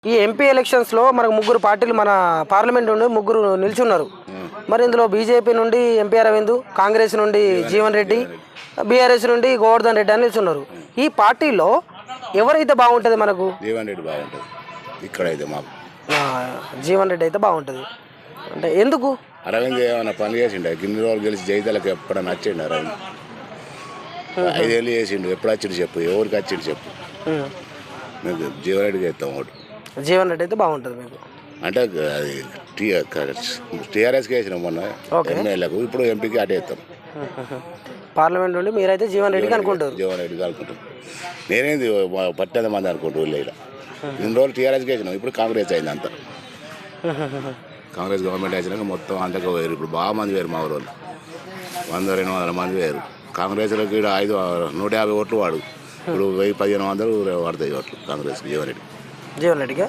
ఈ ఎంపీ ఎలక్షన్స్లో మనకు ముగ్గురు పార్టీలు మన పార్లమెంట్ నుండి ముగ్గురు నిల్చున్నారు. మరి ఇందులో బీజేపీ నుండి ఎంపీ అరవింద్, కాంగ్రెస్ నుండి జీవన్ రెడ్డి, బీఆర్ఎస్ నుండి గోవర్ధన్ రెడ్డి అని నిల్చున్నారు. ఈ పార్టీలో ఎవరైతే బాగుంటుంది మనకు? జీవన్ రెడ్డి బాగుంటుంది. ఇక్కడైతే మాకు జీవన్ రెడ్డి అయితే బాగుంటుంది. అంటే ఎందుకు? అరవింద్ ఏమైనా పని చేసిండు? గిన్ని రోజులు గెలిచి జైతాలకు ఎప్పుడైనా వచ్చిండు అరవింద్? 5 ఏళ్ళు చేసిండు. ఎప్పుడు వచ్చిండు చెప్పు, ఎవరికి వచ్చిండు చెప్పు. మీకు జీవన్ రెడ్డికి ఇస్తాం ఓటు. జీవన్ రెడ్డి అయితే బాగుంటుంది మీకు అంటే అది టీఆర్ఎస్కి వేసినాం మొన్న ఎమ్మెల్యేలకు, ఇప్పుడు ఎంపీకి అటే ఇస్తాం. పార్లమెంట్ నుండి మీరైతే జీవన్ రెడ్డికి అనుకుంటారు? జీవన్ రెడ్డికి అనుకుంటాం. నేనేంది 10 మంది అనుకుంటూ ఇలా ఇన్ని రోజులు టీఆర్ఎస్కి వేసినాం, ఇప్పుడు కాంగ్రెస్ అయింది అంతా. కాంగ్రెస్ గవర్నమెంట్ వేసినాక మొత్తం అంతకు వేరు. ఇప్పుడు బాగా మంది వేరు, మా ఊరు 100-200 మంది వేరు. కాంగ్రెస్లోకి 150 ఓట్లు వాడు, ఇప్పుడు 1000-1500 పడతాయి ఓట్లు కాంగ్రెస్కి జీవన్ రెడ్డికి.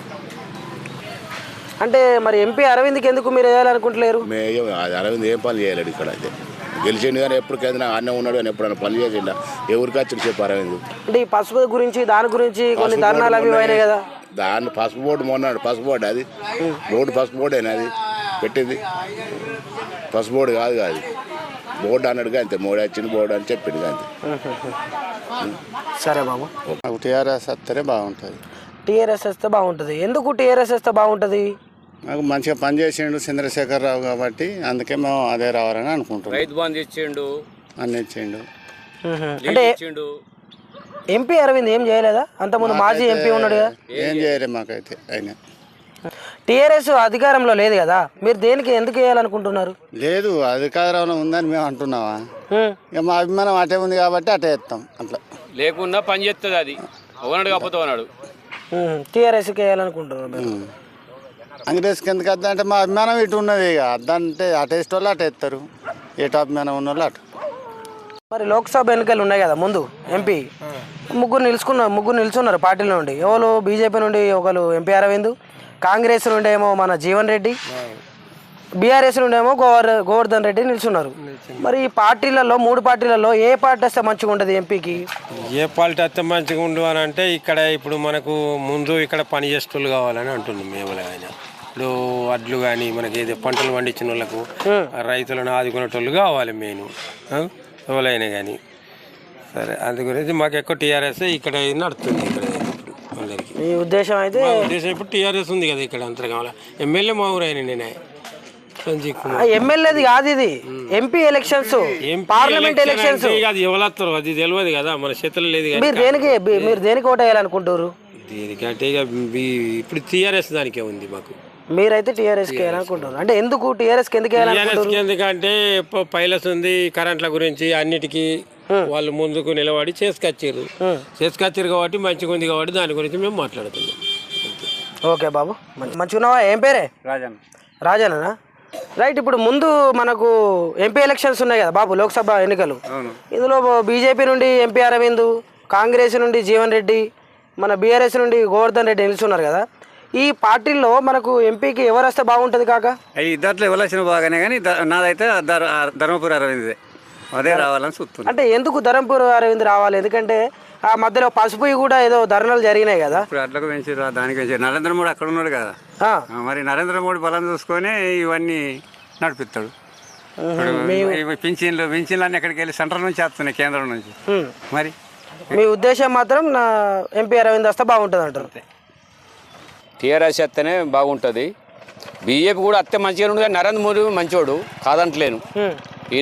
అంటే మరి ఎంపీ అరవింద్కి ఎందుకు మీరు వేయాలనుకుంటలేరు? అరవింద్ ఏం పని చేయలేడు ఇక్కడ. అయితే గెలిచిండు కానీ ఎప్పుడు కేంద్రం అన్నే ఉన్నాడు కానీ ఎప్పుడైనా పని చేసిండా? ఎవరికి వచ్చిండు చెప్పు అరవింద్? అంటే ఈ పసుపు గురించి దాని గురించి కొన్ని ధర్నాలు అవి అయినాయి కదా. దాన్ని పసుపు బోర్డు మొన్నాడు. పసుపు బోర్డు అది బోర్డు పసుపు బోర్డేనా అది పెట్టింది? పసుపు బోర్డు కాదు కాదు బోర్డు అన్నాడుగా అంతే. మోడీ వచ్చింది బోర్డు అని చెప్పిండు అంతే. సరే బాబు, టీఆర్ఎస్ వస్తేనే బాగుంటుంది. టీఆర్ఎస్ వస్తే బాగుంటుంది. ఎందుకు టీఆర్ఎస్ వస్తే బాగుంటుంది? నాకు మంచిగా పనిచేసిండు చంద్రశేఖరరావు కాబట్టి అందుకే మేము అదే రావాలని అనుకుంటున్నాం. రైతు బంధు ఇచ్చిండు, అన్ని ఇచ్చిండు. అంటే ఎంపీ అరవింద్ ఏం చేయలేదా? అంతకుముందు మాజీ ఎంపీ ఉన్నాడు కదా. ఏం చేయలేదు మాకైతే. అయినా టీఆర్ఎస్ అధికారంలో లేదు కదా, మీరు దేనికి ఎందుకు వేయాలనుకుంటున్నారు? లేదు, అధికారంలో ఉందని మేము అంటున్నావా? ఇక మా అభిమానం అటే ఉంది కాబట్టి అటే ఇస్తాం. అట్లా లేకున్నా పని చేస్తుంది. అది ఒకనాడు కాకపోతే ఒకనాడు టీఆర్ఎస్కి వేయాలనుకుంటున్నారు మీరు. కాంగ్రెస్కి ఎందుకు వద్దా అంటే మా అభిమానం ఇటు ఉన్నది. ఇక అద్దంటే అటు వేస్తే వాళ్ళు అటు వేస్తారు, ఎటు అభిమానం ఉన్న వాళ్ళు అటు. మరి లోక్సభ ఎన్నికలు ఉన్నాయి కదా ముందు, ఎంపీ ముగ్గురు నిల్చున్నారు పార్టీల నుండి. ఎవరు? బీజేపీ నుండి ఒకరు ఎంపీ అరవింద్, కాంగ్రెస్ నుండి ఏమో మన జీవన్ రెడ్డి, బీఆర్ఎస్ నుండి ఏమో గోవర్ధన్ రెడ్డి నిల్చున్నారు. మరి ఈ పార్టీలలో 3 పార్టీలలో ఏ పార్టీ వస్తే మంచిగా ఉంటుంది ఎంపీకి? ఏ పార్టీ వస్తే మంచిగా ఉండు అని అంటే ఇక్కడ ఇప్పుడు మనకు ముందు ఇక్కడ పని చేసేటోళ్ళు కావాలని అంటున్నాం మేము. ఆయన ఇప్పుడు వడ్లు కానీ మనకి ఏదో పంటలు పండించిన వాళ్ళకు రైతులను ఆదుకునేటోళ్ళు కావాలి మెయిన్, ఎవరైనా కానీ. సరే, అందు గురించి మాకు ఎక్కువ టీఆర్ఎస్ ఇక్కడ నడుస్తుంది. ఇక్కడ అందరికి మీ ఉద్దేశం అయితే? ఉద్దేశం ఇప్పుడు టీఆర్ఎస్ ఉంది కదా ఇక్కడ, అంతా కావాలి. ఎమ్మెల్యే మా ఊరు అయినా నేనే ఎమ్మెల్యేది కాదు, ఇది ఎంపీ ఎలక్షన్స్, పార్లమెంట్ ఎలక్షన్స్. అది ఎవరు అది తెలియదు కదా, మన చేతుల్లో లేదు. మీరు దేనికి ఓటు వేయాలనుకుంటారు? దేనికంటే ఇక ఇప్పుడు టీఆర్ఎస్ దానికే ఉంది మాకు. మీరైతే టీఆర్ఎస్కి వేయాలనుకుంటున్నారు. అంటే ఎందుకు టీఆర్ఎస్కి ఎందుకు వేయాలనుకుంటున్నారు? ఎందుకంటే పైలస్ ఉంది, కరెంట్ల గురించి అన్నిటికీ వాళ్ళు ముందుకు నిలబడి చేసుకొచ్చారు కాబట్టి మంచిగా ఉంది కాబట్టి దాని గురించి మేము మాట్లాడుతున్నాం. ఓకే బాబు, మంచిగా ఉన్నావా? ఏం పేరే? రాజన్న. రైట్. ఇప్పుడు ముందు మనకు ఎంపీ ఎలక్షన్స్ ఉన్నాయి కదా బాబు, లోక్సభ ఎన్నికలు. ఇందులో బీజేపీ నుండి ఎంపీ అరవింద్, కాంగ్రెస్ నుండి జీవన్ రెడ్డి, మన బీఆర్ఎస్ నుండి గోవర్ధన్ రెడ్డి నిలుస్తున్నారు కదా. ఈ పార్టీల్లో మనకు ఎంపీకి ఎవరు వస్తే బాగుంటుంది కాక? ఇద్దరిలో ఎవరు వచ్చినా బాగానే, కానీ నాదైతే ధర్మపురి అరవింద్ అదే రావాలని చూస్తున్నాను. అంటే ఎందుకు ధర్మపురి అరవింద్ రావాలి? ఎందుకంటే ఆ మధ్యలో పసుపు కూడా ఏదో ధర్నాలు జరిగినాయి కదా. ఇప్పుడు అట్లకు పెంచారు, దానికి పెంచారు. నరేంద్ర మోడీ అక్కడ ఉన్నాడు కదా, మరి నరేంద్ర మోడీ బలం చూసుకొని ఇవన్నీ నడిపిస్తాడు. పింఛన్లు అన్నీ ఎక్కడికి వెళ్ళి సెంట్రల్ నుంచి వస్తున్నాయి, కేంద్రం నుంచి. మరి మీ ఉద్దేశం మాత్రం నా ఎంపీ అరవింద్ వస్తే బాగుంటుంది అంటారు? టీఆర్ఎస్ వస్తేనే బాగుంటుంది. బీజేపీ కూడా అత్తే మంచిగా ఉండదు. నరేంద్ర మోడీ మంచోడు కాదంటలేను. ఈ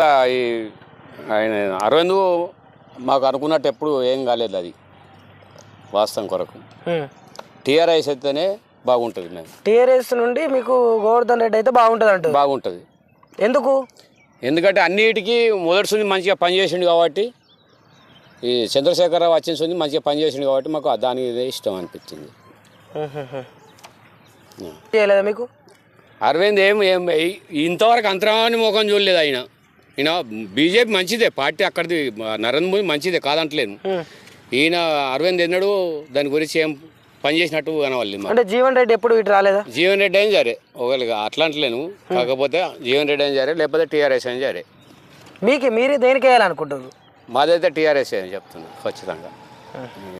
ఆయన అరవింద్ మాకు అనుకున్నట్టు ఎప్పుడు ఏం కాలేదు, అది వాస్తవం కొరకు. టీఆర్ఎస్ అయితేనే బాగుంటుంది. మేము టీఆర్ఎస్ నుండి మీకు గోవర్ధన్ రెడ్డి అయితే బాగుంటుంది అంటారు? బాగుంటుంది. ఎందుకు? ఎందుకంటే అన్నిటికీ మొదటి మంచిగా పనిచేసిండు కాబట్టి, ఈ చంద్రశేఖరరావు వచ్చిన మంచిగా పనిచేసిండు కాబట్టి మాకు దానికి ఇష్టం అనిపించింది. చేయలేదా మీకు? అరవింద్ ఏం ఇంతవరకు అంతరాన్ని ముఖం చూడలేదు. ఆయన బీజేపీ మంచిదే పార్టీ, అక్కడిది నరేంద్ర మోదీ మంచిదే కాదంటలేను. ఈయన అరవింద్ ఎన్నడూ దాని గురించి ఏం పని చేసినట్టు కనవాలి. అంటే జీవన్ రెడ్డి ఎప్పుడు ఇటు రాలేదా? జీవన్ రెడ్డి అయినా సరే ఒకవేళ అట్లా అంటలేను, కాకపోతే జీవన్ రెడ్డి అయినా సరే లేకపోతే టీఆర్ఎస్ అయినా సరే. మీరు దేనికి వేయాలనుకుంటారు? మాదైతే టీఆర్ఎస్ అని చెప్తున్నాను ఖచ్చితంగా.